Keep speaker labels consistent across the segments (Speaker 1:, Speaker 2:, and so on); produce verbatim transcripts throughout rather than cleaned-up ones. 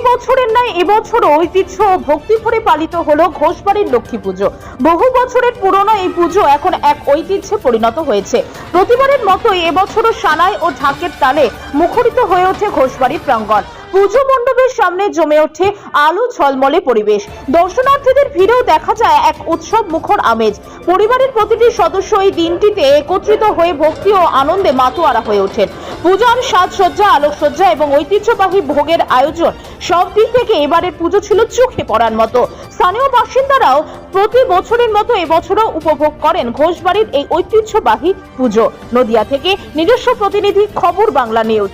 Speaker 1: বছরের ন্যায় এবছরও ঐতিহ্য ও ভক্তিভরে পালিত হলো ঘোষবাড়ির লক্ষ্মী পুজো। বহু বছরের পুরনো এই পুজো এখন এক ঐতিহ্যে পরিণত হয়েছে। প্রতিবারের মতোই এবছরও সানাই ও ঢাকের তালে মুখরিত হয়ে ওঠে ঘোষবাড়ির প্রাঙ্গণ। পুজো মণ্ডপের সামনে জমে ওঠে আলো ঝলমলে পরিবেশ। দর্শনার্থীদের ভিড়েও দেখা যায় এক উৎসব মুখর আমেজ। পরিবারের প্রতিটি সদস্য এই দিনটিতে একত্রিত হয়ে ভক্তি ও আনন্দে মাতোয়ারা হয়ে ওঠেন। পূজার সাজসজ্জা, আলোকসজ্জা এবং ঐতিহ্যবাহী ভোগের আয়োজন সব দিক থেকে এবারের পুজো ছিল চোখে পড়ার মতো। স্থানীয় বাসিন্দারাও প্রতি বছরের মতো এবছরও উপভোগ করেন ঘোষবাড়ির এই ঐতিহ্যবাহী পুজো। নদিয়া থেকে নিজস্ব প্রতিনিধি, খবর বাংলা নিউজ।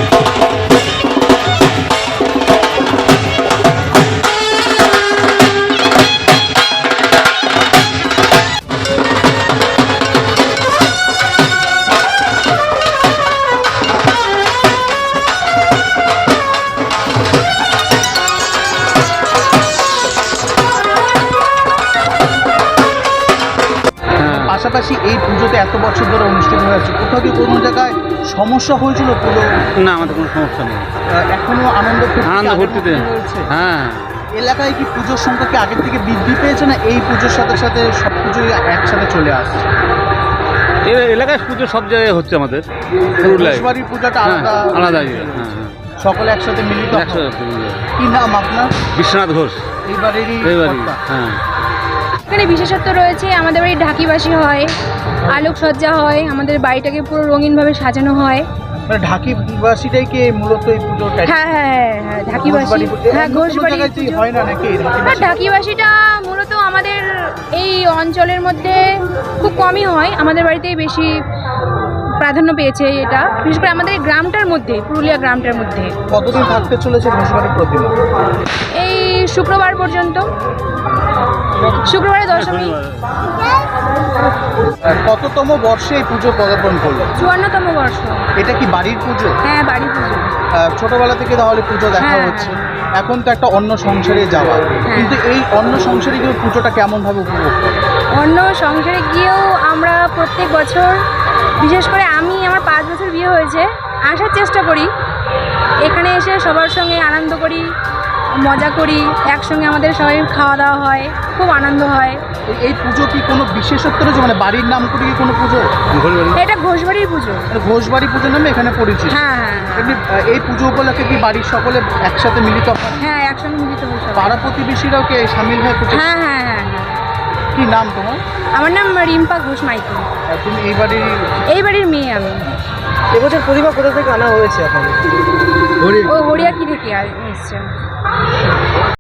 Speaker 2: পাশাপাশি এই পুজোতে এত বছর ধরে অনুষ্ঠিত হয়ে আছে, কোথাও কি কোনো জায়গায় সমস্যা হয়েছিল পুজো?
Speaker 3: না, আমাদের কোনো সমস্যা নেই,
Speaker 2: এখনো আনন্দ
Speaker 3: আনন্দ ভর্তিতে
Speaker 2: রয়েছে।
Speaker 3: হ্যাঁ,
Speaker 2: এলাকায় কি পুজোর সংখ্যা কি আগের থেকে বৃদ্ধি পেয়েছে, না এই পুজোর সাথে সাথে সব পুজোই একসাথে চলে আসছে?
Speaker 3: এই এলাকায় পুজো সব জায়গায় হচ্ছে আমাদের।
Speaker 2: ঘোষবাড়ির পুজোটা আলাদা
Speaker 3: আলাদা
Speaker 2: সকলে একসাথে মিলিত। কি নাম আপনার?
Speaker 3: বিশ্বনাথ ঘোষ।
Speaker 2: এইবারেরই
Speaker 3: হ্যাঁ,
Speaker 4: এখানে বিশেষত্ব রয়েছে, আমাদের বাড়ি ঢাকিবাসী হয়, আলোকসজ্জা হয়, আমাদের বাড়িটাকে পুরো রঙিনভাবে সাজানো হয়।
Speaker 2: মানে ঢাকিবাসীটাই কি মূলত এই পুজোটা?
Speaker 4: হ্যাঁ হ্যাঁ হ্যাঁ ঢাকিবাসী, হ্যাঁ ঘোষবাড়ি
Speaker 2: হয় না নাকি?
Speaker 4: হ্যাঁ ঢাকিবাসীটা মূলত আমাদের এই অঞ্চলের মধ্যে খুব কমই হয়, আমাদের বাড়িতেই বেশি প্রাধান্য পেয়েছে এটা, বিশেষ করে আমাদের গ্রামটার মধ্যে, পুরুলিয়া গ্রামটার মধ্যে।
Speaker 2: কতদিন থাকতে চলেছে ঘোষবাড়ির প্রতিমা?
Speaker 4: এই শুক্রবার পর্যন্ত, শুক্রবারে দশমী।
Speaker 2: কততম বর্ষে এই পুজো পদার্পণ করলো?
Speaker 4: চুয়ান্নতম বর্ষ।
Speaker 2: এটা কি বাড়ির পুজো?
Speaker 4: হ্যাঁ, বাড়ির পুজো।
Speaker 2: ছোটবেলা থেকে তাহলে পুজো দেখা
Speaker 4: হ্যাঁ।
Speaker 2: হচ্ছে, এখন তো একটা অন্য সংসারে যাওয়া, কিন্তু এই অন্য সংসারে গিয়ে পুজোটা কেমন ভাবে উপভোগ করে?
Speaker 4: অন্য সংসারে গিয়েও আমরা প্রত্যেক বছর, বিশেষ করে আমি, আমার পাঁচ বছর বিয়ে হয়েছে, আসার চেষ্টা করি। এখানে এসে সবার সঙ্গে আনন্দ করি, মজা করি, একসঙ্গে আমাদের সবাই খাওয়া দাওয়া হয়, খুব আনন্দ হয়।
Speaker 2: এই পুজো কি কোনো বিশেষত্ব রয়েছে, মানে বাড়ির নাম করে কি কোনো পুজো?
Speaker 4: এটা ঘোষবাড়ির পুজো।
Speaker 2: ঘোষবাড়ি পুজো নামে এখানে পরিচিত।
Speaker 4: হ্যাঁ হ্যাঁ
Speaker 2: এমনি এই পুজো উপলক্ষে কি বাড়ির সকলে একসাথে মিলিত হয়?
Speaker 4: হ্যাঁ, একসঙ্গে মিলিত হয়ে সবাই।
Speaker 2: পাড়া প্রতিবেশীরাও কি সামিল হয় পুজো?
Speaker 4: হ্যাঁ হ্যাঁ হ্যাঁ হ্যাঁ।
Speaker 2: কি নাম তোমার?
Speaker 4: আমার নাম রিম্পা ঘোষ মাইতি।
Speaker 2: তুমি এই বাড়ির
Speaker 4: এই বাড়ির মেয়ে আমি।
Speaker 2: এবছর প্রতিমা কোথা থেকে আনা হয়েছে? এখন
Speaker 4: ও হরিয়াকি থেকে এসছে।